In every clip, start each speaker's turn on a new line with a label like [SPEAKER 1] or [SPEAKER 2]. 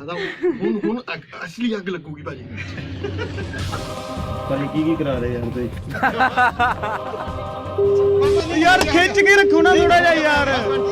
[SPEAKER 1] ਹੁਣ ਅਸਲੀ ਅੱਗ ਲੱਗੂਗੀ ਭਾਜੀ।
[SPEAKER 2] ਭਾਜੀ ਕੀ ਕਰਾ ਰਹੇ ਯਾਰ ਤੁਸੀਂ?
[SPEAKER 3] ਯਾਰ ਖਿੱਚ ਕੇ ਰੱਖੋ ਨਾ ਥੋੜਾ ਜਿਹਾ ਯਾਰ।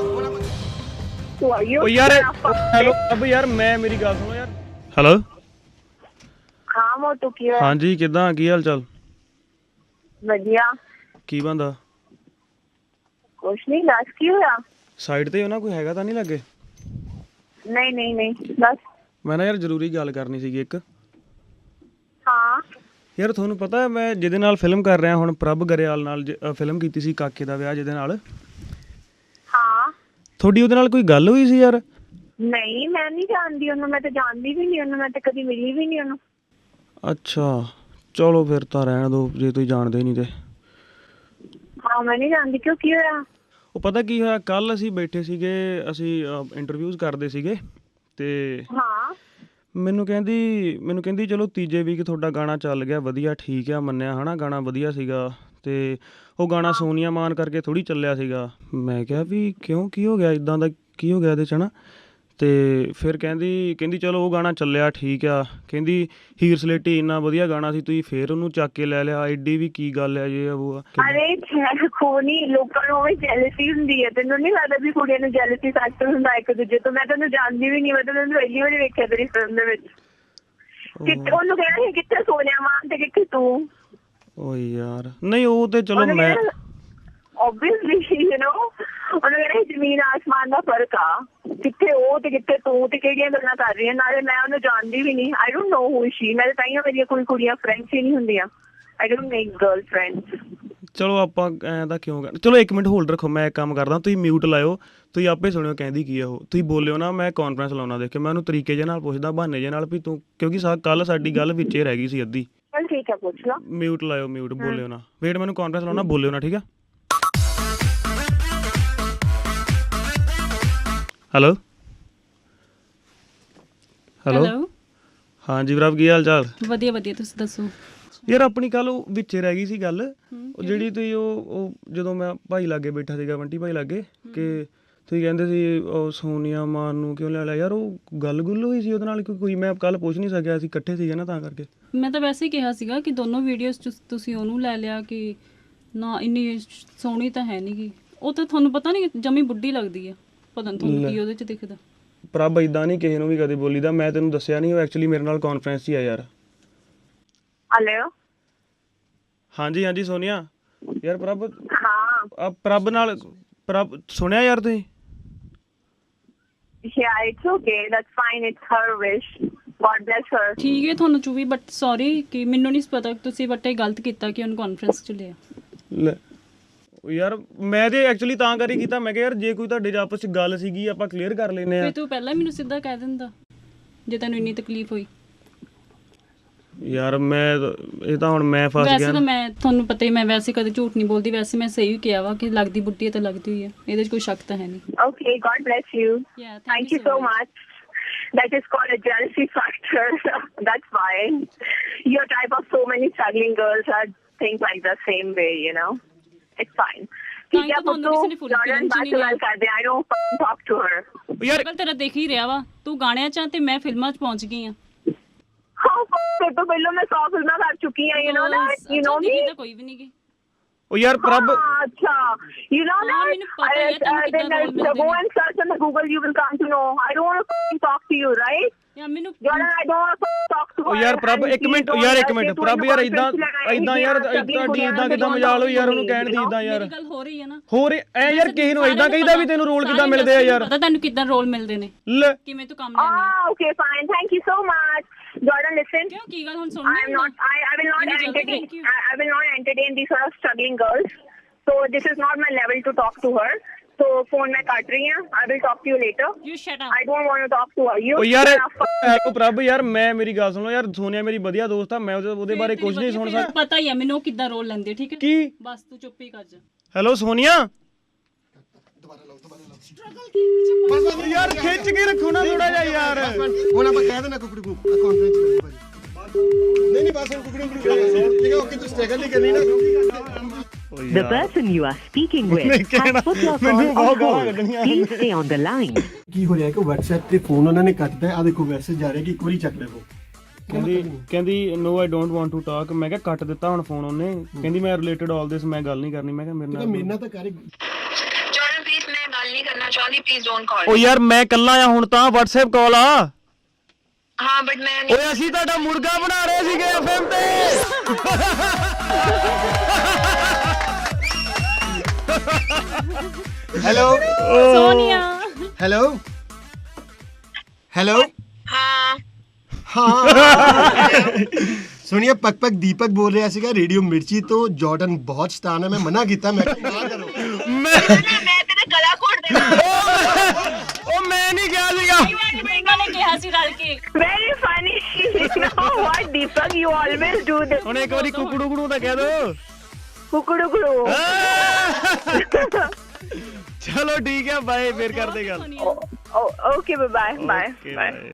[SPEAKER 3] ਓ ਯਾਰ ਹੈਲੋ ਅਬ ਯਾਰ ਮੈਂ ਮੇਰੀ ਗੱਲ ਸੁਣੋ ਯਾਰ। ਹੈਲੋ
[SPEAKER 4] ਹਾਂ ਮੋਟੂ ਕੀ ਹੋਇਆ?
[SPEAKER 3] ਹਾਂਜੀ ਕਿੱਦਾਂ ਕੀ ਹਾਲ ਚਾਲ?
[SPEAKER 4] ਵਧੀਆ।
[SPEAKER 3] ਕੀ ਬੰਦਾ?
[SPEAKER 4] ਕੁਛ ਨਹੀਂ, ਦੱਸ ਕੀ ਹੋਇਆ?
[SPEAKER 3] ਸਾਈਡ ਤੇ ਉਹਨਾਂ ਕੋਈ ਹੈਗਾ ਤਾਂ ਨਹੀਂ ਲੱਗੇ?
[SPEAKER 4] ਨਹੀਂ ਨਹੀਂ ਨਹੀਂ, ਦੱਸ।
[SPEAKER 3] ਮੈਂ ਨਾ ਯਾਰ ਜ਼ਰੂਰੀ ਗੱਲ ਕਰਨੀ ਸੀਗੀ ਇੱਕ।
[SPEAKER 4] ਹਾਂ
[SPEAKER 3] ਯਾਰ ਤੁਹਾਨੂੰ ਪਤਾ ਮੈਂ ਜਿਹਦੇ ਨਾਲ ਫਿਲਮ ਕਰ ਰਿਹਾ ਹੁਣ ਪ੍ਰਭ ਗਰੇਵਾਲ ਨਾਲ ਫਿਲਮ ਕੀਤੀ ਸੀ ਕਾਕੇ ਦਾ ਵਿਆਹ ਜਿਹਦੇ ਨਾਲ।
[SPEAKER 4] ਹਾਂ
[SPEAKER 3] ਤੁਹਾਡੀ ਉਹਦੇ ਨਾਲ ਕੋਈ ਗੱਲ ਹੋਈ ਸੀ ਯਾਰ?
[SPEAKER 4] ਨਹੀਂ, ਮੈਂ ਨਹੀਂ ਜਾਣਦੀ ਉਹਨੂੰ, ਮੈਂ ਤਾਂ ਜਾਣਦੀ ਵੀ ਨਹੀਂ ਉਹਨੂੰ, ਮੈਂ ਤਾਂ ਕਦੀ ਮਿਲੀ ਵੀ ਨਹੀਂ ਉਹਨੂੰ।
[SPEAKER 3] ਅੱਛਾ ਚਲੋ ਫਿਰ ਤਾਂ ਰਹਿਣ ਦਿਓ ਜੇ ਤੁਸੀਂ ਜਾਣਦੇ ਨਹੀਂ ਤੇ।
[SPEAKER 4] ਹਾਂ ਮੈਂ ਨਹੀਂ ਜਾਣਦੀ। ਕਿਉਂ, ਕੀ ਹੋਇਆ?
[SPEAKER 3] ਉਹ ਪਤਾ ਕੀ ਹੋਇਆ, ਕੱਲ ਅਸੀਂ ਬੈਠੇ ਸੀਗੇ, ਅਸੀਂ ਇੰਟਰਵਿਊਜ਼ ਕਰਦੇ ਸੀਗੇ ਤੇ
[SPEAKER 4] ਹਾਂ
[SPEAKER 3] ਮੈਨੂੰ ਕਹਿੰਦੀ ਚਲੋ ਤੀਜੇ ਵੀਕ ਤੁਹਾਡਾ ਗਾਣਾ ਚੱਲ ਗਿਆ, ਵਧੀਆ ਠੀਕ ਆ, ਮੰਨਿਆ ਹਨਾ ਗਾਣਾ ਵਧੀਆ ਸੀਗਾ ਤੇ ਉਹ ਗਾਣਾ ਸੋਨੀਆ ਮਾਨ ਕਰਕੇ ਥੋੜੀ ਚੱਲਿਆ ਸੀਗਾ। ਮੈਂ ਕਿਹਾ ਵੀ ਕਿਉਂ, ਕੀ ਹੋ ਗਿਆ, ਇਦਾਂ ਦਾ ਕੀ ਹੋ ਗਿਆ ਇਹਦੇ 'ਚ ਹਨਾ। ਤੇ ਫਿਰ ਕਹਿੰਦੀ ਚਲੋ ਉਹ ਗਾਣਾ ਚੱਲਿਆ ਠੀਕ ਆ, ਕਹਿੰਦੀ ਹੀਰ ਸਲੇਟੀ ਇੰਨਾ ਵਧੀਆ ਗਾਣਾ ਸੀ ਤੁਸੀਂ ਫੇਰ ਉਹਨੂੰ ਚੱਕ ਕੇ ਲੈ ਲਿਆ, ਐਡੀ ਵੀ ਕੀ ਗੱਲ ਹੈ ਜੇ ਉਹ।
[SPEAKER 4] ਅਰੇ ਖੋਨੀ ਲੋਕਾਂ ਨੂੰ ਵੀ ਜੈਲਸੀ ਹੁੰਦੀ ਹੈ, ਤੈਨੂੰ ਨਹੀਂ ਲੱਗਦਾ ਵੀ ਕੁੜੀਆਂ ਨੂੰ ਜੈਲਸੀ ਫੈਕਟਰ ਹੁੰਦਾ ਇੱਕ ਦੂਜੇ ਤੋਂ? ਮੈਂ ਤੈਨੂੰ ਜਾਣਦੀ ਵੀ ਨਹੀਂ, ਮੈਂ ਤੈਨੂੰ ਪਹਿਲੀ ਵਾਰੀ ਵੇਖਿਆ ਤੇਰੀ ਫਿਲਮ ਦੇ ਵਿੱਚ। ਕਿੱਥੇ ਉਹਨੂੰ ਕਹਿਣਾ ਸੀ, ਕਿੱਥੇ ਸੋਨੀਆ ਮਾਨ ਤੇ ਕਿੱਥੇ ਤੂੰ?
[SPEAKER 3] ਓ ਯਾਰ ਨਹੀਂ ਉਹ ਤੇ ਚਲੋ ਮੈਂ
[SPEAKER 4] obviously you know ਉਹਨੂੰ ਕਹਿਣਾ ਜ਼ਮੀਨ ਆਸਮਾਨ ਦਾ ਫਰਕ ਆ, ਕਿੱਥੇ ਉਹ ਤੇ ਕਿੱਥੇ ਤੂੰ, ਤੇ ਕਿਹੜੀਆਂ ਗੱਲਾਂ ਕਰ ਰਹੀ ਹੈ। ਨਾਲੇ ਮੈਂ ਉਹਨੂੰ ਜਾਣਦੀ ਵੀ ਨਹੀਂ, ਆਈ ਡੋਂਟ ਨੋ ਹੂ ਸ਼ੀ। ਮੈਂ ਤਾਂ ਤਾਈਆਂ ਮੇਰੀਆਂ ਕੋਈ ਕੁੜੀਆਂ ਫਰੈਂਡਸ ਹੀ ਨਹੀਂ ਹੁੰਦੀਆਂ, I don't make girl friends.
[SPEAKER 3] ਚਲੋ ਆਪਾਂ ਐਂ ਦਾ ਕਿਉਂ ਕਰ, ਚਲੋ 1 ਮਿੰਟ ਹੋਲਡ ਰੱਖੋ, ਮੈਂ ਇੱਕ ਕੰਮ ਕਰਦਾ, ਤੁਸੀਂ ਮਿਊਟ ਲਾਇਓ, ਤੁਸੀਂ ਆਪੇ ਸੁਣਿਓ ਕਹਿੰਦੀ ਕੀ ਆ ਉਹ, ਤੁਸੀਂ ਬੋਲਿਓ ਨਾ, ਮੈਂ ਕਾਨਫਰੰਸ ਲਾਉਣਾ ਦੇਖ ਕੇ, ਮੈਂ ਉਹਨੂੰ ਤਰੀਕੇ ਜਿਹੇ ਨਾਲ ਪੁੱਛਦਾ, ਬਹਾਨੇ ਜਿਹੇ ਨਾਲ ਵੀ ਤੂੰ, ਕਿਉਂਕਿ ਕੱਲ ਸਾਡੀ ਗੱਲ ਵਿੱਚੇ ਰਹਿ ਗਈ ਸੀ ਅੱਧੀ।
[SPEAKER 4] ਚਲ ਠੀਕ ਹੈ, ਪੁੱਛ ਲਾ।
[SPEAKER 3] ਮਿਊਟ ਲਾਇਓ, ਮਿਊਟ ਬੋਲਿਓ ਨਾ, ਵੇਟ ਮੈਨੂੰ ਕਾਨਫਰੰਸ ਲਾਉਣਾ, ਬੋਲਿਓ ਨਾ, ਠੀਕ ਆ? ਹੈਲੋ ਹੈਲੋ ਹਾਂਜੀ ਵੀਰਾ ਕੀ ਹਾਲ ਚਾਲ?
[SPEAKER 5] ਵਧੀਆ ਵਧੀਆ, ਤੁਸੀਂ ਦੱਸੋ?
[SPEAKER 3] ਯਾਰ ਆਪਣੀ ਕੱਲ ਉਹ ਵਿੱਚੇ ਰਹਿ ਗਈ ਸੀ ਗੱਲ, ਉਹ ਜਿਹੜੀ ਤੁਸੀਂ ਉਹ ਜਦੋਂ ਮੈਂ ਭਾਈ ਲਾਗੇ ਬੈਠਾ ਸੀਗਾ, ਬੰਟੀ ਭਾਈ ਲਾਗੇ, ਕਿ ਤੁਸੀਂ ਕਹਿੰਦੇ ਸੀ ਉਹ ਸੋਨੀਆ ਮਾਨ ਨੂੰ ਕਿਉਂ ਲੈ ਲਿਆ ਯਾਰ, ਉਹ ਗੱਲ ਗੁੱਲ ਹੋਈ ਸੀ ਉਹਦੇ ਨਾਲ ਕੋਈ? ਮੈਂ ਕੱਲ ਪੁੱਛ ਨਹੀਂ ਸਕਿਆ, ਅਸੀਂ ਇਕੱਠੇ ਸੀਗੇ ਨਾ ਤਾਂ ਕਰਕੇ।
[SPEAKER 5] ਮੈਂ ਤਾਂ ਵੈਸੇ ਹੀ ਕਿਹਾ ਸੀਗਾ ਕਿ ਦੋਨੋਂ ਵੀਡੀਓਜ਼ 'ਚ ਤੁਸੀਂ ਉਹਨੂੰ ਲੈ ਲਿਆ, ਕਿ ਨਾ ਇੰਨੀ ਸੋਹਣੀ ਤਾਂ ਹੈ ਨਹੀਂ ਗੀ ਉਹ, ਤਾਂ ਤੁਹਾਨੂੰ ਪਤਾ ਨਹੀਂ ਜਮੀ ਬੁੱਢੀ ਲੱਗਦੀ ਹੈ, ਪਤਾ ਨਹੀਂ ਤੁਹਾਨੂੰ ਕੀ ਉਹਦੇ 'ਚ ਦਿਖਦਾ।
[SPEAKER 3] ਪ੍ਰਭ ਇਦਾਂ ਨਹੀਂ ਕਿਸੇ ਨੂੰ ਵੀ ਕਦੇ ਬੋਲੀਦਾ, ਮੈਂ ਤੈਨੂੰ ਦੱਸਿਆ ਨਹੀਂ, ਉਹ ਐਕਚੁਅਲੀ ਮੇਰੇ ਨਾਲ ਕਾਨਫਰੰਸ 'ਚ ਹੀ ਆ ਯਾਰ।
[SPEAKER 4] ਹੈਲੋ
[SPEAKER 3] ਹਾਂਜੀ ਹਾਂਜੀ ਸੋਨੀਆ ਯਾਰ ਪ੍ਰਭ,
[SPEAKER 4] ਹਾਂ
[SPEAKER 3] ਪ੍ਰਭ ਨਾਲ ਸੁਣਿਆ ਯਾਰ ਤੁਸੀਂ?
[SPEAKER 4] Yeah, it's okay. That's fine. It's her wish. God bless her.
[SPEAKER 5] ਠੀਕ ਹੈ ਤੁਹਾਨੂੰ ਚੁਵੀ, ਬਟ ਸੌਰੀ ਕਿ ਮੈਨੂੰ ਨਹੀਂ ਪਤਾ ਤੁਸੀਂ ਬਟ ਇਹ ਗਲਤ ਕੀਤਾ ਕਿ ਉਹਨੂੰ ਕਾਨਫਰੰਸ 'ਚ ਲਿਆ।
[SPEAKER 3] ਲੈ ਯਾਰ ਮੈਂ ਤੇ ਐਕਚੁਅਲੀ ਤਾਂ ਕਰੀ ਕੀਤਾ, ਮੈਂ ਕਿਹਾ ਯਾਰ ਜੇ ਕੋਈ ਤੁਹਾਡੇ ਆਪਸ 'ਚ ਗੱਲ ਸੀਗੀ ਆਪਾਂ ਕਲੀਅਰ ਕਰ ਲੈਨੇ ਆ।
[SPEAKER 5] ਫਿਰ ਤੂੰ ਪਹਿਲਾਂ ਮੈਨੂੰ ਸਿੱਧਾ ਕਹਿ ਦਿੰਦਾ ਜੇ ਤੈਨੂੰ ਇੰਨੀ ਤਕਲੀਫ ਹੋਈ।
[SPEAKER 3] ਯਾਰ ਮੈਂ ਇਹ ਤਾਂ ਹੁਣ ਮੈਂ ਫਸ ਗਿਆ।
[SPEAKER 5] ਵੈਸੇ ਤਾਂ ਮੈਂ ਤੁਹਾਨੂੰ ਪਤਾ ਹੀ, ਮੈਂ ਵੈਸੇ ਕਦੇ ਝੂਠ ਨਹੀਂ ਬੋਲਦੀ, ਵੈਸੇ ਮੈਂ ਸਹੀ ਕਿਹਾ ਵਾ ਕਿ ਲੱਗਦੀ ਬੁੱਢੀ ਹੈ ਤਾਂ ਲੱਗਦੀ ਹੋਈ ਹੈ, ਇਹਦੇ 'ਚ ਕੋਈ ਸ਼ੱਕ ਤਾਂ ਹੈ ਨਹੀਂ।
[SPEAKER 4] Okay, God bless you.
[SPEAKER 5] Yeah,
[SPEAKER 4] Thank you so much. That is called a jealousy factor. That's fine. Your type of so many struggling girls are think like the same way, you know. It's fine. ठीक है पुत्तू, Jordan बात से बात कर दे. I don't talk to her.
[SPEAKER 3] ਯਾਰ
[SPEAKER 5] ਤੇਰਾ ਦੇਖ ਹੀ ਰਿਹਾ ਵਾ, ਤੂੰ ਗਾਣਿਆਂ 'ਚ ਤੇ ਮੈਂ ਫਿਲਮਾਂ 'ਚ ਪਹੁੰਚ ਗਈ ਆ।
[SPEAKER 4] ਫਿਰ ਤੋਂ ਪਹਿਲਾਂ ਮੈਂ 100 ਫਿਲਮਾਂ ਕਰ ਚੁੱਕੀ ਹਾਂ, you know that, you know me.
[SPEAKER 5] ਤਾਂ ਕੋਈ ਵੀ ਨਹੀਂ ਗੀ।
[SPEAKER 3] ਉਹ ਯਾਰ ਪ੍ਰਭ
[SPEAKER 4] ਅੱਛਾ, you know that.
[SPEAKER 5] ਮੈਨੂੰ ਪਤਾ ਹੈ ਤੈਨੂੰ ਕਿੱਦਾਂ ਰੋਲ ਮਿਲਦੇ
[SPEAKER 4] Go and search on the Google, you will come to know. I don't want to talk to you, right?
[SPEAKER 5] ਯਾਰ ਮੈਨੂੰ
[SPEAKER 4] Jordan, I don't want to talk to her.
[SPEAKER 3] ਉਹ ਯਾਰ ਪ੍ਰਭ ਇੱਕ ਮਿੰਟ ਯਾਰ ਪ੍ਰਭ ਯਾਰ ਇਦਾਂ ਯਾਰ ਤੁਹਾਡੀ ਇਦਾਂ ਕਿਦਾਂ ਮਜਾਲ ਹੋਈ ਯਾਰ ਉਹਨੂੰ ਕਹਿਣ ਦੀ ਇਦਾਂ ਯਾਰ।
[SPEAKER 5] ਮੇਰੀ ਗੱਲ ਹੋ ਰਹੀ ਹੈ ਨਾ,
[SPEAKER 3] ਹੋਰ ਐ ਯਾਰ ਕਿਸੇ ਨੂੰ ਇਦਾਂ ਕਹੀਦਾ ਵੀ ਤੈਨੂੰ ਰੋਲ ਕਿਦਾਂ ਮਿਲਦੇ ਆ ਯਾਰ?
[SPEAKER 5] ਪਤਾ ਤੈਨੂੰ ਕਿੱਦਾਂ ਰੋਲ ਮਿਲਦੇ ਨੇ,
[SPEAKER 3] ਲੈ
[SPEAKER 5] ਕਿਵੇਂ ਤੂੰ ਕੰਮ ਲੈਣੀ ਹੈ।
[SPEAKER 4] Okay, fine. Thank you so much. Jordan, listen.
[SPEAKER 5] ਕਿਉਂ ਕੀ ਗੱਲ ਹੁਣ
[SPEAKER 4] I
[SPEAKER 5] ਸੁਣਨਾ?
[SPEAKER 4] am not. I will not entertain. I will not entertain these sort of struggling girls. So this is not my level to talk to her. So phone मैं काट रही हूँ. I will talk to you later.
[SPEAKER 5] You shut up.
[SPEAKER 4] I don't want to talk to her. You.
[SPEAKER 3] ਉਹ ਯਾਰ hello ਪ੍ਰਭ ਯਾਰ ਮੈਂ ਮੇਰੀ ਗੱਲ ਸੁਣੋ ਯਾਰ, ਸੋਨੀਆ ਮੇਰੀ ਵਧੀਆ ਦੋਸਤ ਆ, ਮੈਂ ਉਹਦੇ ਬਾਰੇ ਕੁਝ ਨਹੀਂ ਸੁਣ ਸਕਦਾ।
[SPEAKER 5] ਪਤਾ ਹੀ ਆ ਮੈਨੂੰ ਉਹ ਕਿੱਦਾਂ ਰੋਲ ਲੈਂਦੇ, ਠੀਕ ਹੈ?
[SPEAKER 3] ਕੀ?
[SPEAKER 5] ਬਸ ਤੂੰ ਚੁੱਪ ਹੀ ਕਰ ਜਾ।
[SPEAKER 3] ਹੈਲੋ ਸੋਨੀਆ
[SPEAKER 1] ਯਾਰ
[SPEAKER 3] ਖਿੱਚ ਕੇ ਰੱਖੋ ਨਾ ਥੋੜਾ ਜਿਹਾ ਯਾਰ।
[SPEAKER 1] ਹੁਣ ਆਪਾਂ ਕਹਿ ਦੇਣਾ ਕੁਕੜੀ ਨੂੰ ਕਾਨਫਰੰਸ ਲਈ ਭਾਜੀ। ਨਹੀਂ ਬਸ ਹੁਣ ਕੁਕੜੀ ਠੀਕ ਹੈ, ਓਕੇ ਤੂੰ ਸਟ੍ਰਗਲ ਨਹੀਂ ਕਰਨੀ ਨਾ।
[SPEAKER 2] The person you are speaking with
[SPEAKER 3] ਉਹਨੇ
[SPEAKER 2] has
[SPEAKER 3] ਕਹਿਣਾ
[SPEAKER 2] put your
[SPEAKER 3] ਮੈਨੂੰ
[SPEAKER 2] call
[SPEAKER 3] ਬਹੁਤ
[SPEAKER 2] on
[SPEAKER 3] ਗਾਲਾਂ
[SPEAKER 2] hold.
[SPEAKER 3] ਕੱਢਣੀਆਂ
[SPEAKER 2] Please stay on the line.
[SPEAKER 1] ਕੀ ਹੋ ਰਿਹਾ ਕਿ WhatsApp ਤੇ ਫੋਨ ਉਹਨਾਂ ਨੇ ਕੱਟਦਾ ਆ ਦੇਖੋ ਮੈਸੇਜ ਜਾ ਰਿਹਾ ਕਿ ਇੱਕ ਵਾਰੀ ਚੱਕ ਲਵੋ
[SPEAKER 3] ਕਹਿੰਦੀ no I don't want to talk. ਮੈਂ ਕਿਹਾ ਕੱਟ ਦਿੱਤਾ ਹੁਣ ਫੋਨ ਉਹਨੇ। ਕਹਿੰਦੀ ਮੈਂ ਰਿਲੇਟਡ ਆਲ ਦਿਸ ਮੈਂ ਗੱਲ ਨਹੀਂ ਕਰਨੀ। ਮੈਂ ਕਿਹਾ ਮੇਰੇ ਨਾਲ
[SPEAKER 1] ਮੇਰੇ ਨਾਲ ਤਾਂ ਕਰ
[SPEAKER 4] Jordan, please, मैं गल नहीं करना चाहती. Please don't call.
[SPEAKER 3] ਓ ਯਾਰ ਮੈਂ ਇਕੱਲਾ ਆ ਹੁਣ ਤਾਂ WhatsApp ਕਾਲ ਆ।
[SPEAKER 4] हाँ, but मैं
[SPEAKER 3] ਓਏ ਅਸੀਂ ਤੁਹਾਡਾ ਮੁਰਗਾ ਬਣਾ ਰਹੇ ਸੀਗੇ FM ਤੇ।
[SPEAKER 1] ਹੈਲੋ
[SPEAKER 5] ਸੋਨੀਆ
[SPEAKER 1] ਹੈਲੋ ਹੈਲੋ
[SPEAKER 4] हाँ.
[SPEAKER 1] ਹਾਂ ਸੁਣੀਏ ਪਕ ਦੀਪਕ ਬੋਲ ਰਿਹਾ ਸੀਗਾ ਰੇਡੀਓ ਮਿਰਚੀ ਤੋਂ। ਜਾਰਡਨ ਬਹੁਤ ਸ਼ੈਤਾਨ ਹੈ। ਮੈਂ ਮਨਾ ਕੀਤਾ ਮੈਂ ਕਿਹਾ ਨਾ ਕਰੋ।
[SPEAKER 4] मैं तेरे गला घोट देना.
[SPEAKER 3] ਓ ਮੈਂ ਨਹੀਂ ਗਿਆ ਸੀਗਾ।
[SPEAKER 5] ਇਹਨਾਂ ਨੇ ਕਿਹਾ ਸੀ ਰਲ ਕੇ।
[SPEAKER 4] Very funny. You know what, Deepak? You always do this.
[SPEAKER 3] ਹੁਣ ਇੱਕ ਵਾਰੀ ਕੁਕੜੂ ਕੁੜੂ ਤਾਂ ਕਹਿ ਦੋ।
[SPEAKER 4] Kukudukuru.
[SPEAKER 3] ਚਲੋ ਠੀਕ ਹੈ ਬਾਏ ਫਿਰ ਕਰਦੇ ਗੱਲ।
[SPEAKER 4] Oh, okay. Bye. Bye.
[SPEAKER 3] Okay,
[SPEAKER 4] Bye.
[SPEAKER 3] bye.